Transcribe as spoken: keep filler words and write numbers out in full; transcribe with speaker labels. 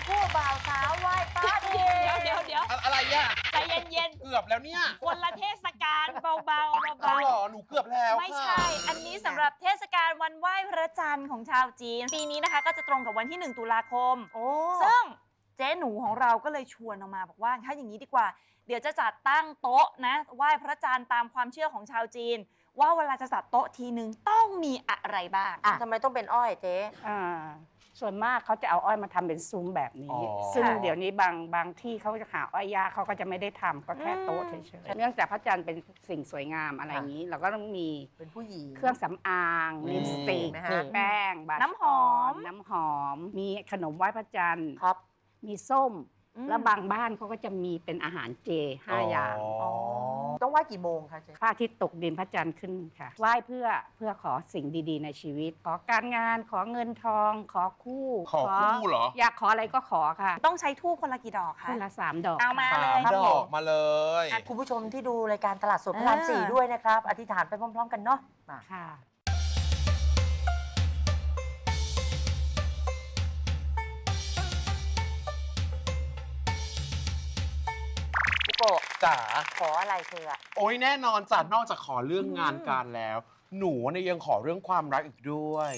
Speaker 1: คู่บ่าวสาวไหว้พระดี
Speaker 2: เดี๋ยวเดี๋ยวเดี๋ยว
Speaker 3: อะอะไรอ่ะ
Speaker 2: ใจเย็น
Speaker 3: เกือบแล้วเนี่ย
Speaker 2: ๆคนละเทศกาลเบาๆเบา
Speaker 3: เอาเหรอหนูเกือบแล้ว
Speaker 2: ๆไม่ใช่ อันนี้สำหรับเทศกาลวันไหว้พระจันทร์ของชาวจีน ปีนี้นะคะก็จะตรงกับวันที่หนึ่งตุลาคม
Speaker 1: โอ้
Speaker 2: ซึ่งเจ๊หนูของเราก็เลยชวนออกมาบอกว่าถ้าอย่างนี้ดีกว่า เดี๋ยวจะจัดตั้งโต๊ะนะไหว้พระจันทร์ตามความเชื่อของชาวจีน ว่าเวลาจะจัดโต๊ะทีนึงต้องมีอะไรบ้าง
Speaker 1: ทำไมต้องเป็นอ้อยเจ๊
Speaker 4: อ่าส่วนมากเขาจะเอาอ้อยมาทำเป็นซุ้มแบบนี้
Speaker 3: อ๋อ
Speaker 4: ซึ่ง
Speaker 2: ค่ะ
Speaker 4: เดี๋ยวนี้บางบางที่เขาจะหาอ้อยยากเขาก็จะไม่ได้ทำก็แค่โต๊ะเฉยๆเนื่องจากพระจันทร์เป็นสิ่งสวยงามอะไรอย่างนี้ เราก็ต้องมี
Speaker 1: เป็นผู้หญิง
Speaker 4: เครื่องสำอางลิปสติก
Speaker 1: นะฮะ
Speaker 4: แป้งบาช
Speaker 2: น้ำหอม
Speaker 4: น้ำหอม มีขนมไหว้พระจันทร์
Speaker 1: ครับ
Speaker 4: มีส้ม
Speaker 2: อืม
Speaker 4: แล้วบางบ้านเขาก็จะมีเป็นอาหารเจห้าอย่าง
Speaker 3: อ๋อ
Speaker 1: ต้องไหว้กี่โมงคะเจ๊
Speaker 4: พระอาทิตย์ตกดินพระจันทร์ขึ้นค่ะ ไหว้เพื่อเพื่อขอสิ่งดีๆ ในชีวิต ขอการงานขอเงินทอง ขอคู่
Speaker 3: ขอคู่เหรอ
Speaker 4: อยากขออะไรก็ขอค่ะ
Speaker 2: ต้องใช้ทูบคนละกี่ดอกคะ
Speaker 4: คนละสามดอก
Speaker 2: เอามา
Speaker 4: ค่ะ
Speaker 2: เลย
Speaker 3: สามดอกมาเลย
Speaker 1: อ่ะคุณผู้ชมที่ดูรายการตลาดสดพระรามสี่ด้วยนะครับ อธิษฐานไปพร้อมๆกันเนาะมา
Speaker 4: ค่ะ
Speaker 1: พี่โกะ
Speaker 3: จ๋า
Speaker 1: ขออะไรเธออะ
Speaker 3: โอ้ยแน่นอนจ้ะนอกจากขอเรื่องงานการแล้ว หนูเนี่ยยังขอเรื่องความรักอีกด้วย